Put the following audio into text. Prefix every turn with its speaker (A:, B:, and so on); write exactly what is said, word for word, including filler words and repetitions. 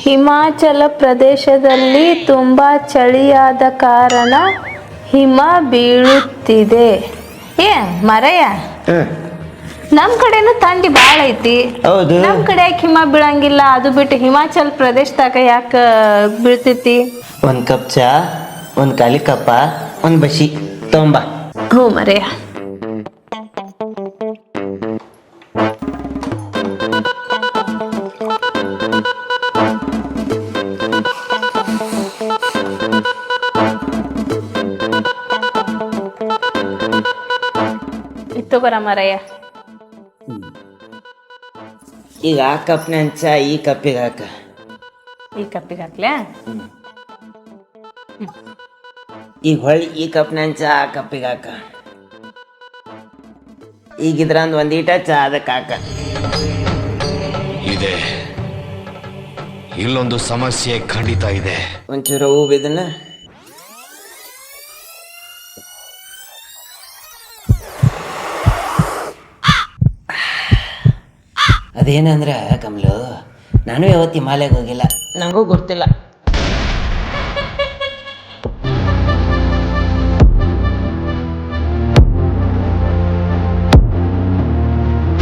A: ಹಿಮಾಚಲ ಪ್ರದೇಶದಲ್ಲಿ ತುಂಬಾ ಚಳಿಯಾದ ಕಾರಣ ಹಿಮ ಬೀಳುತ್ತಿದೆ. ಏ ಮರಯ್ಯ, ನಮ್ ಕಡೆನು ಥಂಡಿ ಬಾಳ ಐತಿ.
B: ಹೌದು.
A: ನಮ್ ಕಡೆ ಯಾಕೆ ಹಿಮ ಬೀಳಂಗಿಲ್ಲ? ಅದು ಬಿಟ್ಟು ಹಿಮಾಚಲ ಪ್ರದೇಶದಾಗ ಯಾಕ ಬೀಳ್ತೈತಿ?
B: ಒಂದ್ ಕಪ್ ಚಾ, ಒಂದ್ ಖಾಲಿ ಕಪ್ಪ, ಒಂದ್ ಬಸಿ ತೊಂಬ.
A: ಹ್ಞೂ ಮರಯ್ಯ. ಇತ್ತು ಬರ ಮರಯ್ಯ.
B: ಈಗ ಆ ಕಪ್ನ ಚಾ ಈ ಕಪ್ಪಿಗೆ ಹಾಕ.
A: ಈ ಕಪ್ಪಿಗೆ ಹಾಕ್ಲ್ಯಾ?
B: ಈಗ ಹೊಳ್ಳಿ ಈ ಕಪ್ನ ಚಾ ಆ ಕಪ್ಪಿಗೆ ಹಾಕ. ಈಗಿದ್ರಂದ್ ಒಂದೀಟ ಚಾ ಅದಕ್ಕೆ ಹಾಕ.
C: ಇದೆ, ಇಲ್ಲೊಂದು ಸಮಸ್ಯೆ ಖಂಡಿತ ಇದೆ.
B: ಒಂಚೂರು ಹೂ ಬಿದ್ದನ. ಅದೇನಂದ್ರೆ ಕಮಲು, ನಾನು ಯಾವತ್ತು ಹಿಮಾಲಯಕ್ಕೆ ಹೋಗಿಲ್ಲ, ನನಗೂ ಗೊತ್ತಿಲ್ಲ.